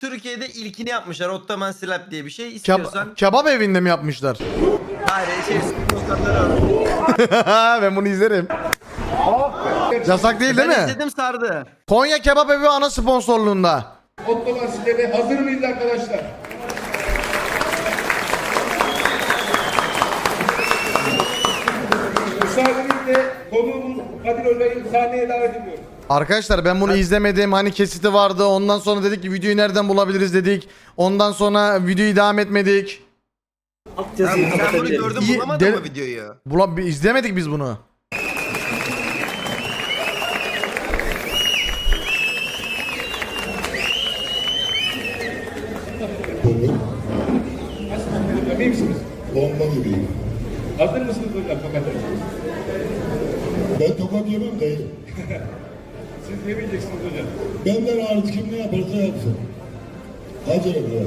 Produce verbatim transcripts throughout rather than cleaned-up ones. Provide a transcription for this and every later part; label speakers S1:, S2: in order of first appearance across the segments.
S1: Türkiye'de ilkini yapmışlar. Ottoman Slap diye bir şey. İstiyorsan...
S2: Keb kebap evinde mi yapmışlar?
S1: Hayır, şey sıkıntı.
S2: Ben bunu izlerim. Yasak değil değil
S1: Ben
S2: mi?
S1: izledim, sardı.
S2: Konya Kebap Evi ana sponsorluğunda.
S3: Ottoman Slap'e hazır mıyız arkadaşlar? Müsaadenizle konuğumuz Kadir Özay'ı sahneye davet ediyorum.
S2: Arkadaşlar ben bunu izlemedim. Hani kesiti vardı. Ondan sonra dedik ki videoyu nereden bulabiliriz dedik. Ondan sonra videoyu devam etmedik.
S1: Sen bunu gördün,
S2: İyi,
S1: bulamadın
S2: de-
S1: mı videoyu?
S2: Bula izlemedik biz bunu.
S3: İyi misiniz?
S4: Bomba gibiyim.
S3: Hazır mısınız hocam tokat atacağız?
S4: Ben tokat yemem dayı.
S3: Siz ne bileceksiniz hocam?
S4: Benden hariç kim ne yaparsa yapsın. Hacı'na bırak.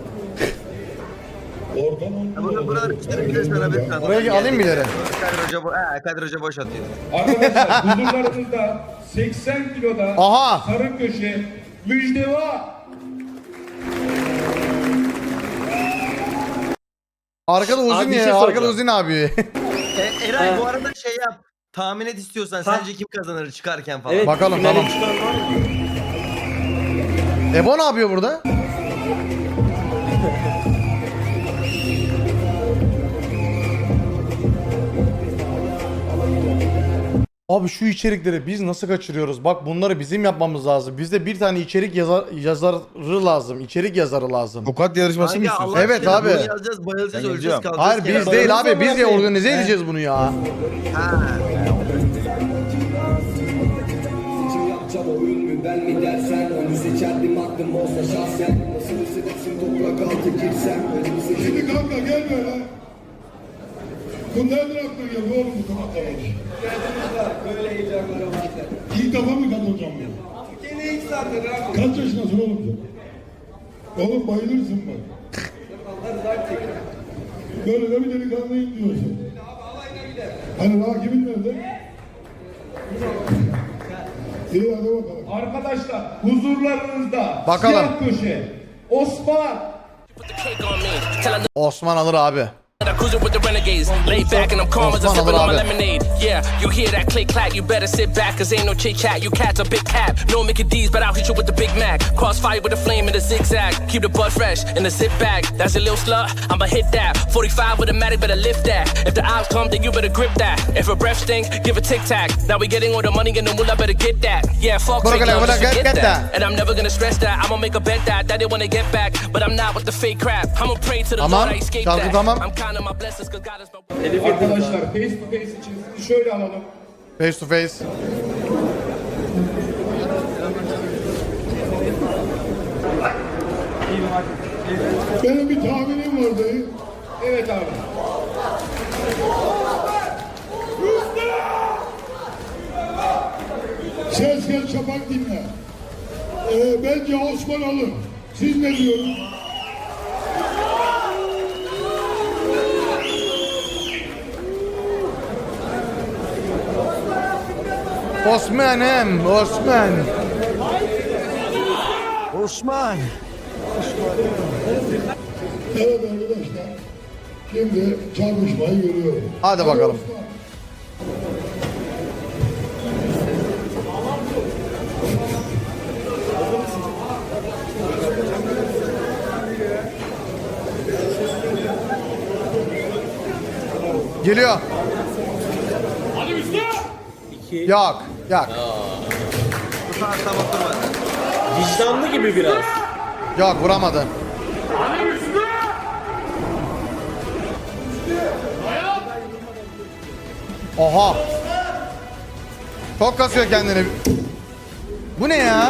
S4: Ortam
S1: Ya Burada
S4: olmuyor.
S1: buralar işte bir de sana bir tane.
S2: Buraya alayım mı ileri?
S1: Kadir Hoca, bo he, Kadir Hoca boş atıyor.
S3: Arkadaşlar huzurlarınızda seksen kiloda
S2: Aha!
S3: sarı köşe müjdeva.
S2: Arkada uzun
S5: Abi bir şey
S2: ya. Arkada
S5: soracağım.
S2: uzun abi.
S1: E, Eray bu arada şey yap. Tahmin et istiyorsan.
S5: Ha.
S1: Sence kim kazanır çıkarken falan.
S5: Evet,
S2: Bakalım,
S5: finale
S2: tamam.
S5: çıkan var mı?
S2: Ebo ne yapıyor burada? Abi şu içerikleri biz nasıl kaçırıyoruz? Bak bunları bizim yapmamız lazım. Bizde bir tane içerik yazar, yazarı lazım. İçerik yazarı lazım.
S6: Tokat yarışması mı
S1: Kanka,
S6: istiyorsun?
S1: Allah
S2: Evet
S1: aşkına
S2: abi.
S1: Bunu yazacağız, bayılacağız,
S6: Ben
S1: öleceğiz,
S6: yazacağım.
S1: kalacağız.
S2: Hayır biz
S1: kenara.
S2: değil abi. Biz de
S5: bırakayım.
S2: organize edeceğiz bunu ya.
S1: Ha.
S7: Seçim yapacağım oyun mu ben mi dersen onu seçerdim aklım olsa şahsen nasıl hissedersin toprak altı girsem önümü seçim
S4: Şimdi kanka gel böyle. Bu nereden aklına geldi oğlum bu tokatlar olmuş?
S7: böyle heyecanlara vardı.
S4: İlk defa mı katılacağım bu?
S7: Gene ilk zaten abi.
S4: Kaç yaşındasın oğlum sen? Oğlum bayılırsın bak. Böyle de bir delikanlıyım diyorsun. Hani rakimin nerede? İyi hadi bakalım.
S3: Arkadaşlar huzurlarınızda
S2: Bakalım.
S3: siyah köşe Osman.
S2: Osman alır abi.
S8: I'm cruising with the renegades, laid back and I'm calm as I'm
S2: Osman
S8: sipping on my
S2: abi.
S8: lemonade. Yeah, you hear that click clack, you better sit back, cause ain't no chit chat. You cats a big cap, no Mickey D's, but I'll hit you with the Big Mac. Crossfire with a flame and a zigzag, keep the butt fresh in the zip bag. That's a little slut, I'ma hit that. forty-five with a matic, better lift that. If the odds come, then you better grip that. If a breath stink, give a tic tac. Now we getting all the money and the moolah, better get that. Yeah, fuck
S2: Bro,
S8: take
S2: get
S8: love,
S2: that,
S8: just
S2: get
S8: forget
S2: that.
S8: that. And I'm never gonna stress that. I'ma make a bet that that they wanna get back, but I'm not with the fake crap. I'ma pray to the
S2: Tamam,
S8: Lord I escape
S2: şarkı
S8: that.
S2: tamam.
S8: I'm counting my blessings, cause God is my
S3: Arkadaşlar face to face için sizi şöyle alalım.
S2: Face to face.
S4: Benim bir tahminim var dayı.
S3: Evet abi.
S4: Ses gel çapak dinle. Ee, bence Osman alır. Siz ne diyorsunuz?
S2: Osman'ım, Osman.
S1: Osman.
S4: Evet arkadaşlar. Şimdi çarpışmayı görüyoruz.
S2: Hadi bakalım. Geliyor. Yok, yok.
S1: Bu saat tam oturmadı.
S5: Vicdanlı gibi biraz.
S2: Yok vuramadı. Oha. Çok kasıyor kendini. Bu ne ya?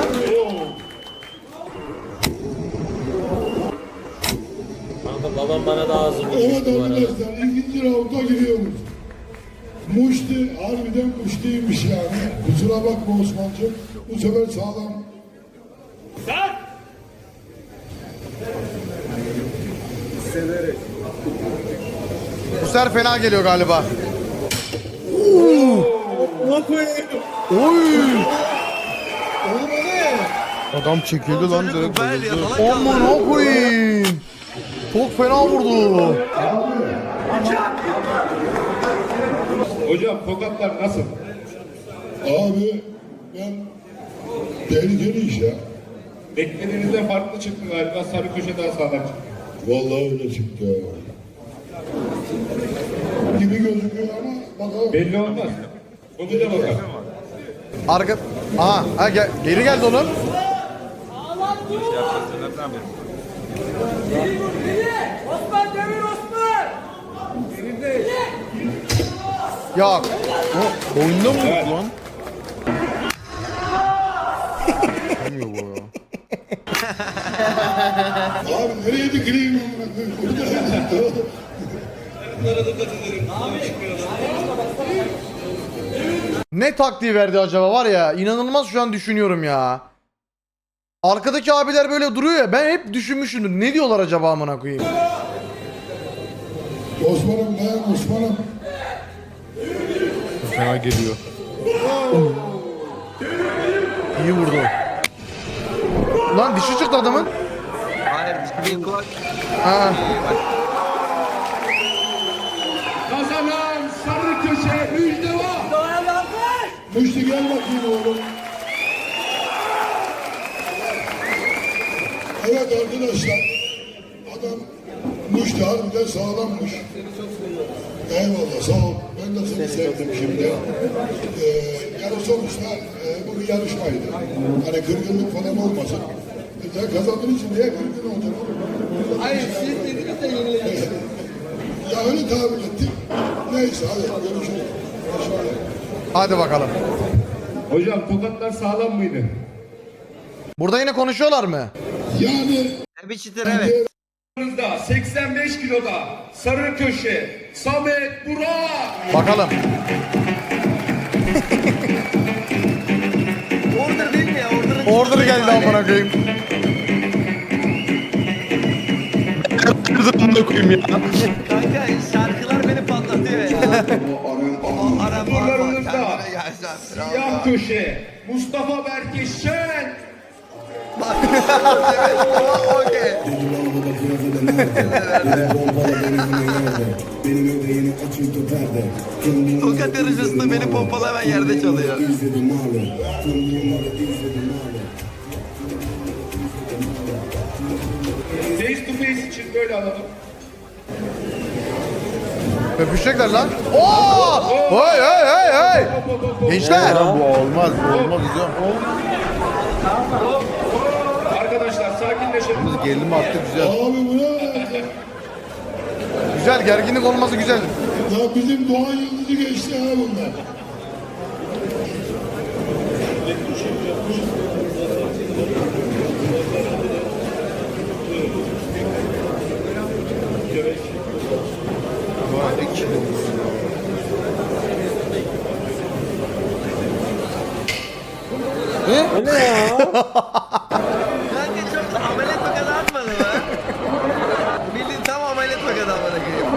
S5: Kanka babam bana daha hazırmış
S4: Evet
S5: bu arada.
S4: arkadaşlar ikinci raunda giriyoruz. Muşti harbiden muştiymiş yani. Kusura bakma Osman'cığım. Bu sefer sağlam.
S2: Bu sefer fena geliyor galiba.
S4: Oğlum o ne?
S6: Adam çekildi lan direkt.
S1: Ver ya,
S6: bayıldı.
S1: salak kaldı.
S2: Aman koyayım. Çok fena vurdu.
S3: Hocam tokatlar nasıl?
S4: Abi ben tehlikeli iş ya.
S3: Beklediğinizden farklı çıktı galiba. Sarı köşe daha sağlam çıktı.
S4: Vallahi öyle çıktı. Gibi gözüküyor ama bakalım.
S3: Belli olmaz. Konuyla bakalım.
S2: Arka... Aha, ha, gel, geri geldi oğlum.
S9: Osman Demir Osman!
S2: Yok.
S6: Oyunda mı yok lan? Olmuyor bu ya.
S4: Abi nereye dikileyim amına koyayım? Burada çıktı.
S2: Ne taktiği verdi acaba var ya, inanılmaz şu an düşünüyorum ya. Arkadaki abiler böyle duruyor ya, ben hep düşünmüşümdür. Ne diyorlar acaba amına koyayım?
S4: Osman'ım dayan Osman'ım.
S6: Fena geliyor.
S2: İyi vurdu. Lan dişi çıktı adamın.
S1: Hayır bir kulak.
S2: Ha.
S3: Kazanan sarı köşe müjde var.
S4: Müştü gel bakayım oğlum. Evet arkadaşlar. Adam Müştü harbiden sağlammış. Eyvallah sağ ol. Ben de seni sevdim şimdi. Ee, yani sonuçta e, bu bir yarışmaydı. Hani kırgınlık falan olmasın. E, sen kazandığın için niye kırgın olacaksın? Hayır siz dediniz de yenileceksin. Ya öyle tahmin ettik. Neyse hadi görüşürüz. Başarılar.
S2: Hadi bakalım.
S3: Hocam tokatlar sağlam mıydı?
S2: Burada yine konuşuyorlar mı?
S4: Yani
S1: Bir çıtır evet.
S3: Yanınızda seksen beş kiloda sarı köşe Samet Burak.
S2: Bakalım.
S1: Order değil mi ya? Order'ın
S2: Order geldi amına koyayım.
S6: Bunu koyayım ya.
S1: Kanka şarkılar beni patlatıyor ya. O Arap
S3: Turlarınızda
S1: kendine gelsen.
S3: siyah köşe Mustafa Berke Şen.
S1: Okey. Tokat yarışmasında beni pompalayan yerde çalıyor.
S3: Face to face için böyle alalım.
S2: Öpüşecekler lan. Oo! Hey hey hey hey! Gençler!
S6: Lan bu olmaz. Bu olmaz hocam.
S3: Arkadaşlar sakinleşelim.
S6: Biz gerilim attık güzel.
S4: abi bu ne?
S2: Güzel, gerginlik olması güzel.
S4: Ya bizim Doğan Yıldız'ı geçti ha bunlar.
S1: Kanka çok da ameliyat tokadı atmadı mı? Bildiğin tam ameliyat tokadı amına koyayım.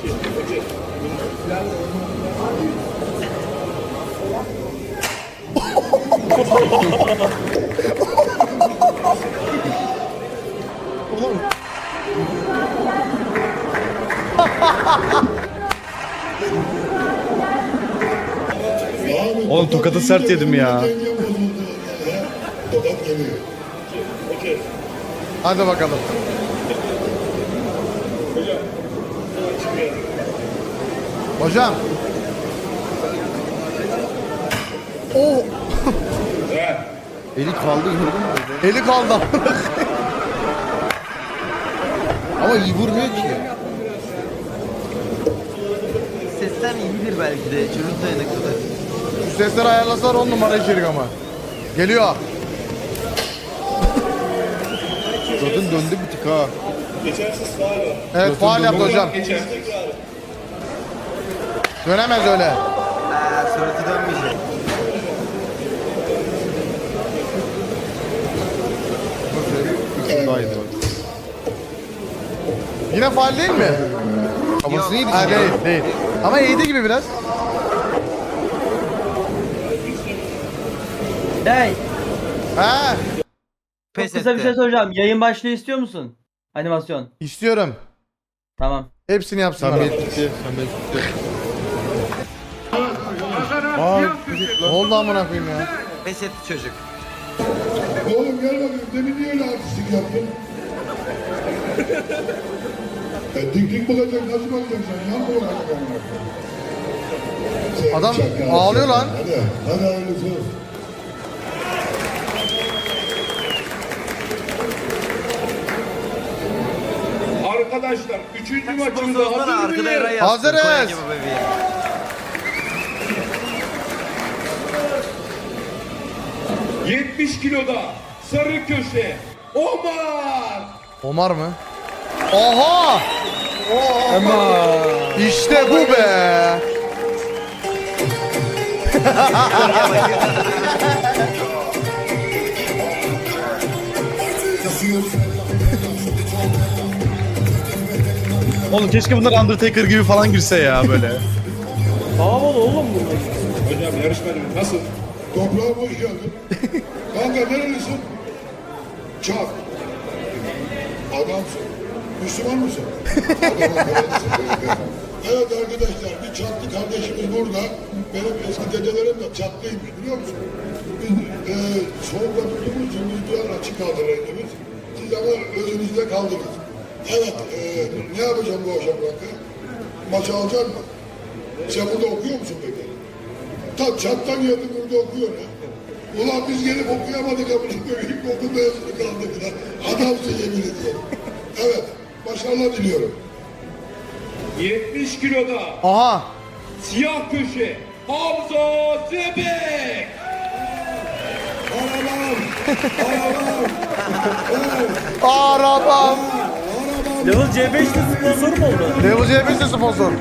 S4: Abi,
S6: Oğlum tokadı sert yedim ya.
S4: Denge bozuldu vallahi ya. Tokat geliyor.
S2: Hadi bakalım. Hocam. Oh!
S6: Eli kaldı gördün mü?
S2: Eli kaldı.
S6: Ama iyi vurmuyor ki.
S1: Sesten iyidir belki de. Çocuk dayanıklıdır.
S2: Şu sesleri ayarlasalar on numara içerik ama. Geliyor.
S6: Zaten döndü bir tık ha.
S2: Evet faal yaptı hocam. Dönemez öyle.
S1: Ha, suratı dönmeyecek.
S6: Daha iyiydi bak.
S2: Yine faal değil mi?
S6: Kafası iyiydi.
S2: Ha, değil, değil. Ama iyiydi gibi biraz.
S1: Hey.
S2: Ha.
S1: Pes
S10: kısa bir
S1: etti.
S10: şey soracağım. Yayın başlığı istiyor musun? Animasyon.
S2: İstiyorum.
S10: Tamam.
S2: Hepsini yapsınlar.
S6: Samet gitti. Samet gitti.
S2: Aa, ne oldu amına koyayım ya?
S1: Pes etti çocuk.
S4: Oğlum gel bakayım. Demin niye öyle artistik yaptın? e, dik dik bakacak. Nasıl bakacaksın sen? Yan mı bakacaksın? Sen
S2: Adam
S4: çakal,
S2: ağlıyor
S4: çakal.
S2: lan.
S4: Hadi. Hadi hayırlısı olsun.
S3: Arkadaşlar üçüncü maçımızda
S1: Sponsorlara
S3: hazır
S1: arkada Eray
S3: mıyız?
S1: yazsın.
S2: Hazırız.
S1: Konya gibi bebeği.
S3: yetmiş kiloda sarı köşe Omar.
S2: Omar mı? Oha! İşte bu be.
S6: Oğlum keşke bunlar Undertaker gibi falan girse ya böyle.
S3: Hocam yarışmadım nasıl?
S4: Toprağım hoş geldin. Kanka nerelisin? Çak. Adamsın. Müslüman mısın? Adamın kardeşsin. Evet arkadaşlar bir çaklı kardeşimiz burada. Benim eski dedelerim de çaklıymış biliyor musun? Biz e, soğukta tuttuğumuz için biz biraz açık kaldırırdınız. Siz ama özünüzde kaldınız. Evet e, ne yapacağım bu akşam kanka? Maçı alacak mı? Sen burada okuyor musun peki? Ta çattan geldi burada okuyor ya. Ulan biz gelip okuyamadık ama ilkokul mezunu kaldık ya. Adamsın yemin ediyorum. Evet, başarılar diliyorum.
S3: yetmiş kiloda
S2: Aha.
S3: siyah köşe Hamza Zebek.
S4: Arabam, arabam,
S2: Arabam.
S5: Level C beş'te sponsor mu oldu?
S2: Level C beş de sponsor.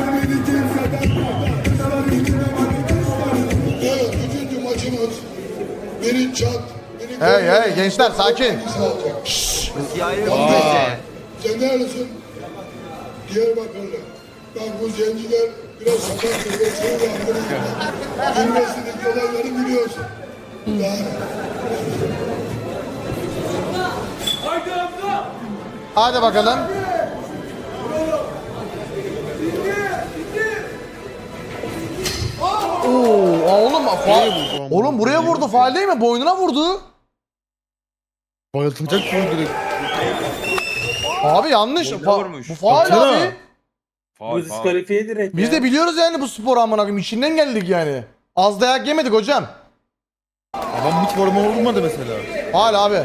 S4: evet, üçüncü maçımız. Biri çat, biri
S2: Hey hey gençler sakin.
S4: hangisi alacak?
S1: Siyahi yok pesi.
S4: Sen neredesin? Diyarbakırlı. Bak bu zenciler biraz sakattır ve şey yaptırır. Bilmesindeki olayları biliyorsun. Yani,
S9: Haydi Hamza.
S2: Hadi bakalım. Oo, aa, oğlum faal. Oğlum buraya vurdu. Faal değil mi? Boynuna vurdu.
S6: Bayıltacak gibi direkt.
S2: Abi yanlış.
S1: Boynuna
S2: Fa-
S1: vurmuş.
S2: bu faal
S6: Baksana.
S2: abi.
S5: Bu diskalifiye direkt
S2: Biz
S5: ya.
S2: de biliyoruz yani bu spor amına koyayım. İçinden geldik yani. Az dayak yemedik hocam.
S6: Adam hiç forma olmadı mesela.
S2: Hala abi.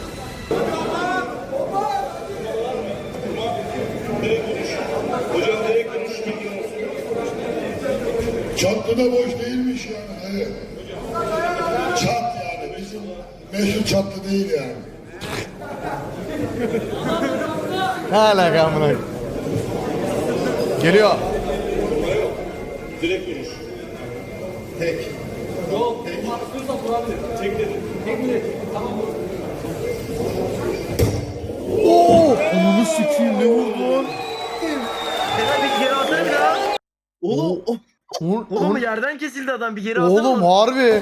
S4: çatlı da boş değilmiş yani. Hadi. Çat yani. Bizim meşhur çatlı değil yani.
S2: Ne alaka amına koyayım. Geliyor.
S6: Onu sikiyim ne vurdu lan?
S1: Eray bir geri atsana bir daha.
S2: Oğlum. Oğlum,
S1: Oğlum yerden kesildi adam bir geri atsana.
S2: oğlum harbi.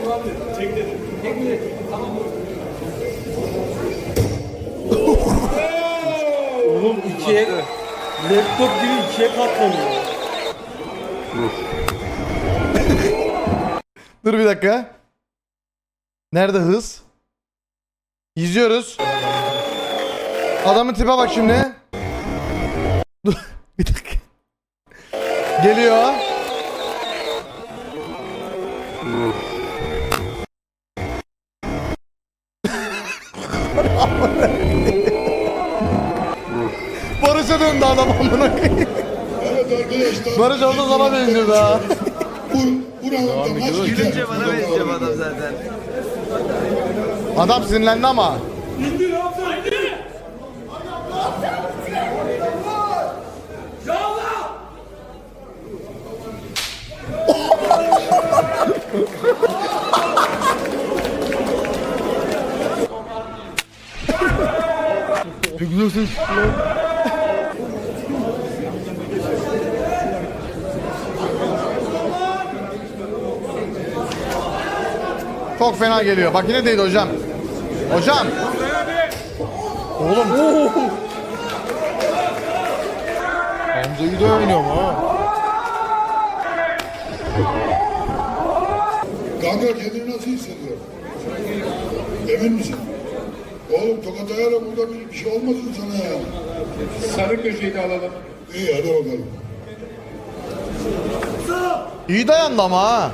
S5: Oğlum ikiye laptop gibi ikiye katlanıyor.
S2: Dur bir dakika. Nerede hız? İzliyoruz. Adamın tipe bak şimdi. Dur bir dakika. Geliyor. Barış'a döndü adam amına koyayım.
S4: Evet arkadaşlar.
S2: Barış orada sana benziyordu ha.
S4: Bu, buranın da maç biter.
S1: Gülünce bana benziyor bu adam zaten.
S2: Adam sinirlendi ama.
S9: İndir Hamza indir. Yallah.
S6: Ne güzel ses lan.
S2: Çok fena geliyor. Bak yine değil hocam. Hocam. Oğlum.
S6: Hamza'yı da oynuyorum ha.
S4: Kanka kendini nasıl hissediyorsun? Emin misin? Oğlum tokat ayarla burada bir, bir şey olmasın sana ya.
S3: Sarı köşeyi de alalım.
S4: İyi hadi bakalım.
S2: İyi dayandı ama ha.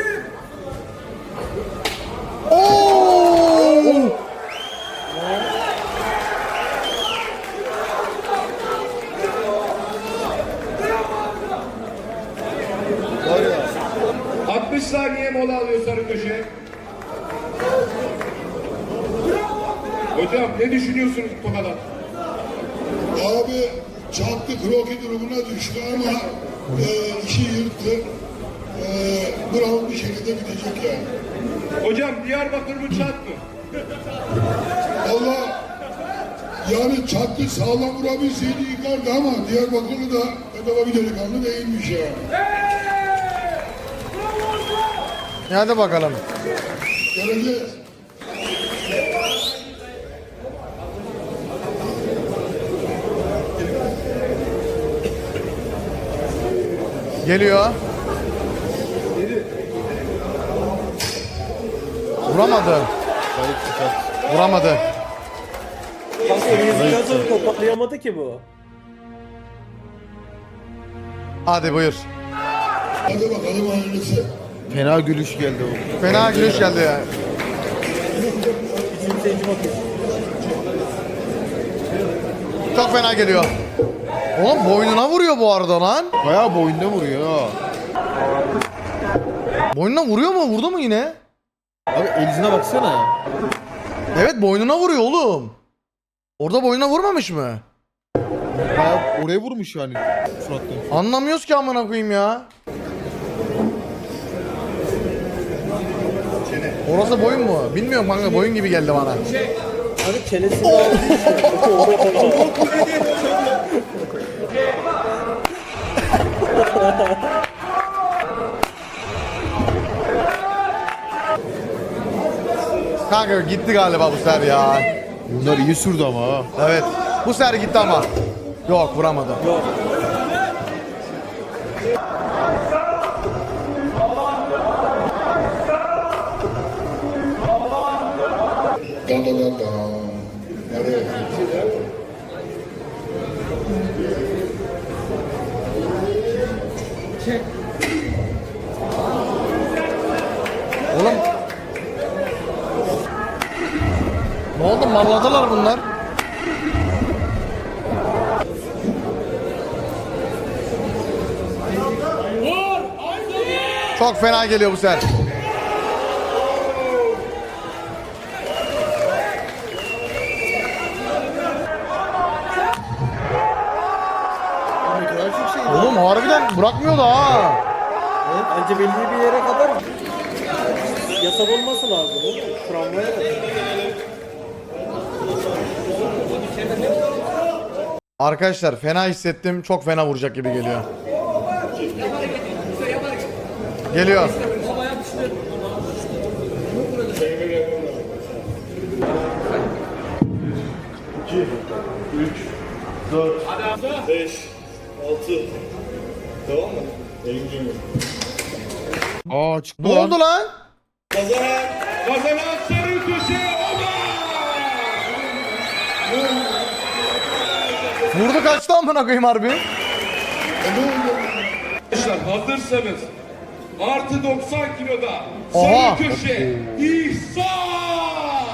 S2: Oo!
S3: altmış saniye mola alıyor sarı köşe. Hocam ne düşünüyorsunuz bu konuda?
S4: Abi çarptı kroki durumuna düştü ama e, işi yırttı. E, Brown bir şekilde gidecek yani.
S3: Hocam Diyarbakır mı çat mı?
S4: Valla yani çattı sağlam vurabilseydi yıkardı ama Diyarbakırlı da bedava bir delikanlı değilmiş ya.
S2: Hadi bakalım.
S4: Göreceğiz.
S2: Geliyor. Vuramadı. Vuramadı.
S5: Kanka elinizi gazı toparlayamadı ki bu.
S2: Hadi buyur.
S4: Hadi bakalım hayırlısı.
S6: Fena gülüş geldi o.
S2: Fena gülüş geldi ya.
S5: Bizim seyirci bakıyor.
S2: Çok fena geliyor. Oğlum boynuna vuruyor bu arada lan.
S6: Bayağı boyunda vuruyor ha.
S2: Boynuna vuruyor mu? Vurdu mu yine?
S6: Abi elizine baksana.
S2: Evet boynuna vuruyor oğlum. Orada boynuna vurmamış mı?
S6: Bayağı oraya vurmuş yani surattan.
S2: Anlamıyoruz ki amına koyayım ya. Orası boyun mu? Bilmiyorum kanka, boyun gibi geldi bana.
S5: Hani çenesini aldı
S2: Kanka gitti galiba bu sefer ya.
S6: Bunlar iyi sürdü ama ha.
S2: Evet. Bu sefer gitti ama. Yok vuramadı.
S5: Yok.
S4: Da da da da. Nereye?
S2: Oğlum. Ne oldu? Marladılar bunlar. Çok fena geliyor bu sefer. Oğlum harbiden bırakmıyor da ha.
S5: Evet, bence belli bir yere kadar yasak olması lazım. Tramvaya da.
S2: Arkadaşlar fena hissettim. Çok fena vuracak gibi geliyor. Geliyor.
S6: Aa çıktı
S2: Ne
S6: lan.
S2: oldu lan?
S3: Kazanan, kazanan sarı köşe Oman!
S2: Vurdu kaçtı amına koyayım harbi.
S3: Arkadaşlar hazırsanız artı doksan kiloda
S2: Oha!
S3: sarı köşe İhsan!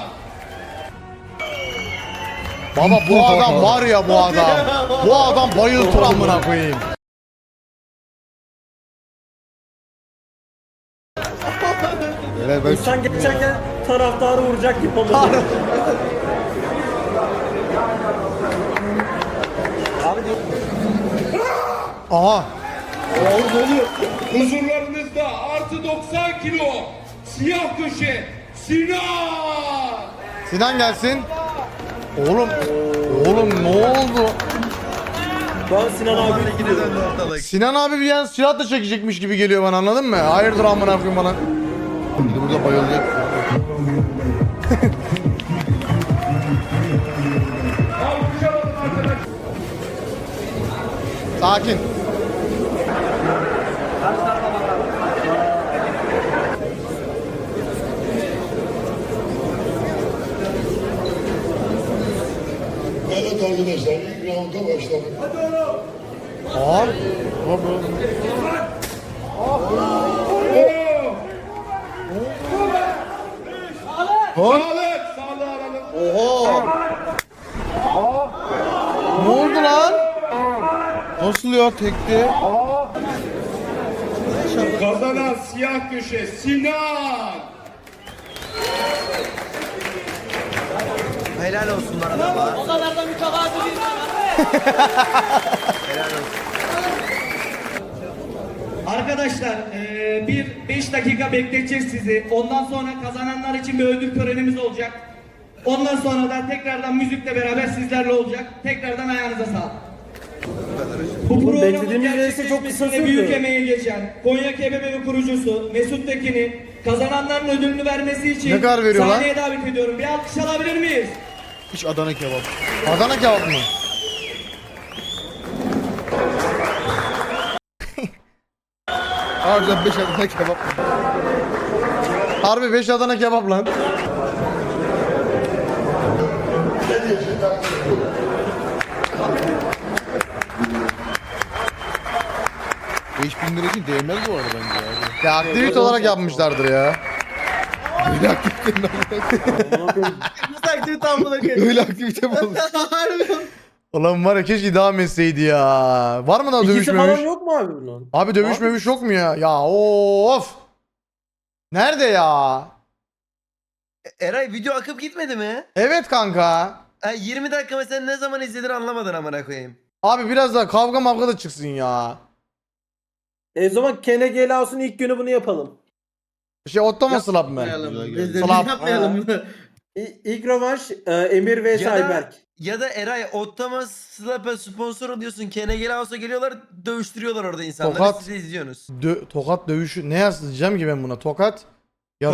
S2: Baba bu adam var ya bu adam. Bu adam bayıltır amına koyayım.
S6: Böyle ben
S5: İnsan geçerken taraftarı vuracak gibi oldu. Abi diyor.
S2: Aha.
S3: Huzurlarınızda artı doksan kilo siyah köşe Sinan!
S2: Sinan gelsin. Oğlum. Oğlum ne oldu?
S5: Ben Sinan abi
S2: Sinan abi bir yan silah da çekecekmiş gibi geliyor bana, anladın mı? Hayırdır amına koyayım bana.
S6: şimdi burada bayılacak.
S2: Sakin.
S4: Evet arkadaşlar ilk rounda başladık.
S2: Aa.
S3: Sağlık. Sağlık alalım.
S2: Oha. Ne oldu lan? Nasıl ya tekti?
S3: Kazanan siyah köşe Sinan.
S1: Helal olsunlar adama.
S9: O kadar da mütevazi değil mi?
S1: Helal olsun.
S5: Arkadaşlar eee, bir beş dakika bekleteceğiz sizi. Ondan sonra kazananlar için bir ödül törenimiz olacak. Ondan sonra da tekrardan müzikle beraber sizlerle olacak. Tekrardan ayağınıza sağlık. Bu programın
S6: beklediğimiz neyse çok kısa
S5: gerçekleşmesinde büyük
S6: sürdü.
S5: emeği geçen Konya Kebab'ın kurucusu Mesut Tekin'i kazananların ödülünü vermesi için
S2: Ne kadar veriyor lan?
S5: sahneye davet ediyorum. Bir alkış alabilir miyiz?
S6: Hiç Adana kebap.
S2: Adana kebap mı?
S6: Harbiden beş Adana kebap.
S2: Harbi beş Adana kebap lan.
S6: beş bin lira için değmez bu arada bence abi.
S2: Ya aktivite olarak yapmışlardır ya.
S6: Öyle aktivite mi?
S1: Nasıl aktivite amına koyayım?
S6: Öyle aktivite mi olur?
S2: Ulan var ya keşke devam etseydi ya. Var mı daha
S5: İkisi
S2: dövüşmemiş?
S5: falan yok mu abi bunun?
S2: Abi dövüşmemiş yok mu ya? Ya of. Nerede ya?
S1: Eray video akıp gitmedi mi?
S2: Evet kanka.
S1: Ha, yirmi dakika mesela ne zaman izledin anlamadın amına koyayım.
S2: Abi biraz daha kavga mavga da çıksın ya.
S5: E o zaman Kene Gelaus'un ilk günü bunu yapalım.
S2: Şey Ottoma slap mı?
S6: Güzel, güzel.
S2: Slap.
S5: Yapmayalım bunu. İlk rövanş e, Emir vs
S1: Ya da-
S5: Ayberk.
S1: Ya da Eray Ottama Slap'a sponsor oluyorsun. Kene Gelaus'a geliyorlar dövüştürüyorlar orada insanları.
S2: Tokat.
S1: Siz de izliyorsunuz.
S2: Dö- tokat dövüşü ne yazacağım ki ben buna? Tokat